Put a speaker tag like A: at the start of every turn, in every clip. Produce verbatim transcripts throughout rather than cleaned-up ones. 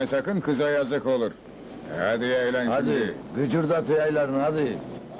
A: Sakın kıza yazık olur. Hadi eğlen
B: Hadi,
A: şimdi.
B: gıcırdat yaylarını hadi.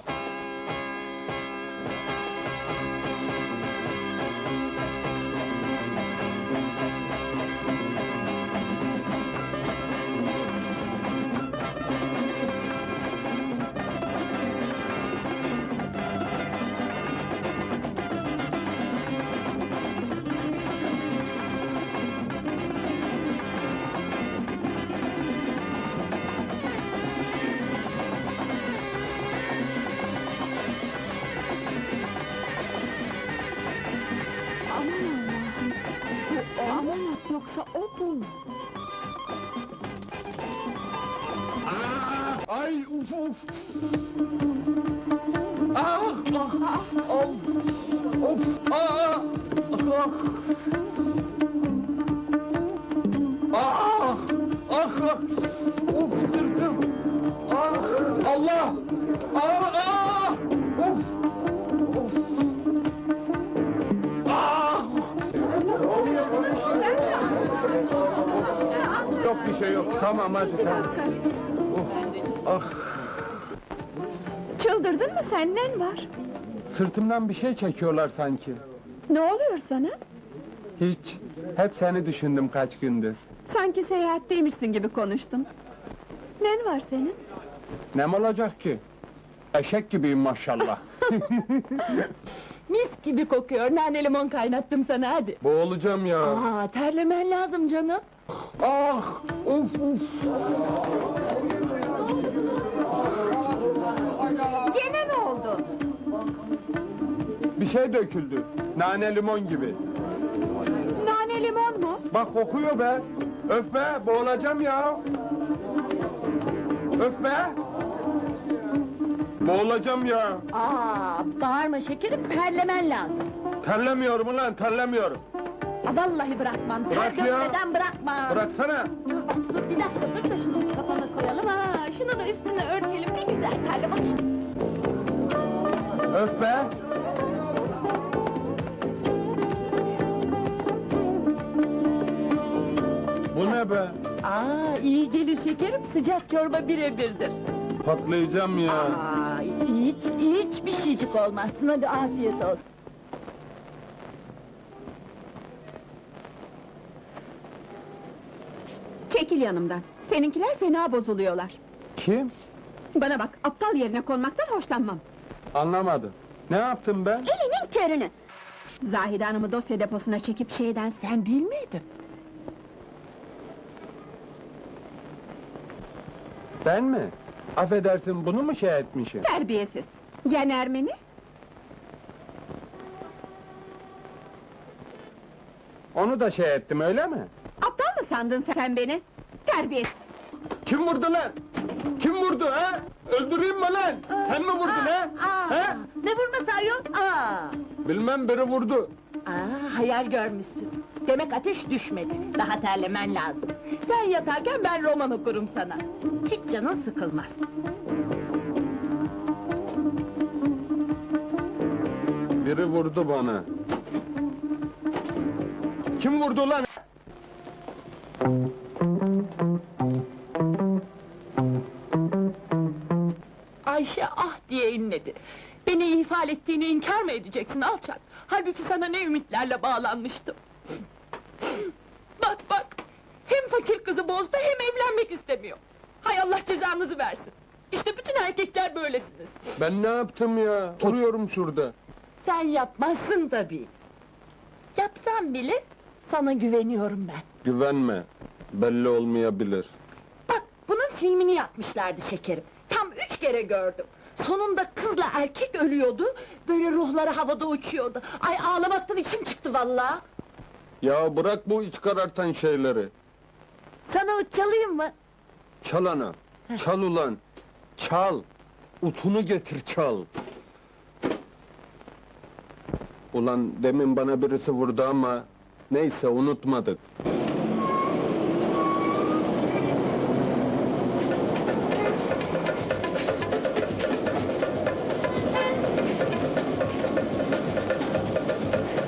C: Aman Allah'ım! Bu o mu, yoksa o bu mu?
B: Ay uf uf! Ah! Ah! Of! Of! Ah! Ah! Ah! Ah! Of sırtım! Ah! Allah! Ah! Ah! Of! Of! Ah! Yok bir şey yok. Tamam hadi tamam. Ah!
C: Çıldırdın mı sen, nen var?
D: Sırtımdan bir şey çekiyorlar sanki.
C: Ne oluyor sana?
D: Hiç. Hep seni düşündüm kaç gündür.
C: Sanki seyahatteymişsin gibi konuştun. Nen var senin?
D: Nem olacak ki? Eşek gibiyim maşallah.
E: Mis gibi kokuyor, nane limon kaynattım sana, hadi!
D: Boğulacağım ya.
E: Aa, terlemen lazım canım!
D: Ah! Uf uf!
C: Gene ne oldu?
D: Bir şey döküldü. Nane limon gibi.
C: Nane limon mu?
D: Bak kokuyor be. Öf be, boğulacağım ya. Öf be! Boğulacağım ya.
E: Aa, bağırma şekerim, terlemen lazım!
D: Terlemiyorum ulan, terlemiyorum.
E: Aa, vallahi bırakmam,
D: Bırak
E: ter
D: ya.
E: dökmeden bırakmam!
D: Bıraksana.
E: Dur, bir dakika, dur da şunu kafana koyalım, ha! Şunu da üstüne örtelim, bir güzel terle bakayım!
D: Öf be! Bu ne be?
E: Aa, iyi gelir şekerim, sıcak çorba birebirdir!
D: Patlayacağım ya.
E: Aa, hiç, hiç bir şeycik olmazsın, hadi afiyet olsun!
C: Çekil yanımdan. Seninkiler fena bozuluyorlar.
D: Kim?
C: Bana bak, aptal yerine konmaktan hoşlanmam.
D: Anlamadım. Ne yaptım ben?
C: Elinin körünü! Zahide Hanım'ı dosya deposuna çekip şeyden sen değil miydin?
D: Ben mi? Affedersin, bunu mu şey etmişim?
C: Terbiyesiz! Yen Ermeni?
D: Onu da şey ettim, öyle mi?
C: Aptal mı sandın sen beni? Terbiyesiz!
D: Kim vurdu lan? Kim vurdu ha? Öldüreyim mi lan? Sen mi vurdun ha?
E: Aa,
D: Ha?
E: ne vurması ayol? Aa!
D: Bilmem, biri vurdu.
E: Aa, hayal görmüşsün. Demek ateş düşmedi. Daha terlemen lazım. Sen yatarken ben roman okurum sana. Hiç canın sıkılmaz.
D: Biri vurdu bana. Kim vurdu lan?
E: Ayşe ah diye inledi. Beni ihfal ettiğini inkar mı edeceksin alçak? Halbuki sana ne ümitlerle bağlanmıştım. Bak bak! Hem fakir kızı bozdu hem evlenmek istemiyor. Hay Allah cezanızı versin. İşte bütün erkekler böylesiniz.
D: Ben ne yaptım ya? Duruyorum şurada.
E: Sen yapmazsın tabii. Yapsam bile sana güveniyorum ben.
D: Güvenme. Belli olmayabilir.
E: Bak bunun filmini yapmışlardı şekerim. Tam üç kere gördüm. Sonunda kızla erkek ölüyordu. Böyle ruhları havada uçuyordu. Ay ağlamaktan içim çıktı vallahi.
D: Ya bırak bu iç karartan şeyleri.
E: Sana uç çalayım mı?
D: Çal ana. Çal ulan. Çal. Utunu getir çal. Ulan demin bana birisi vurdu ama... Neyse unutmadık.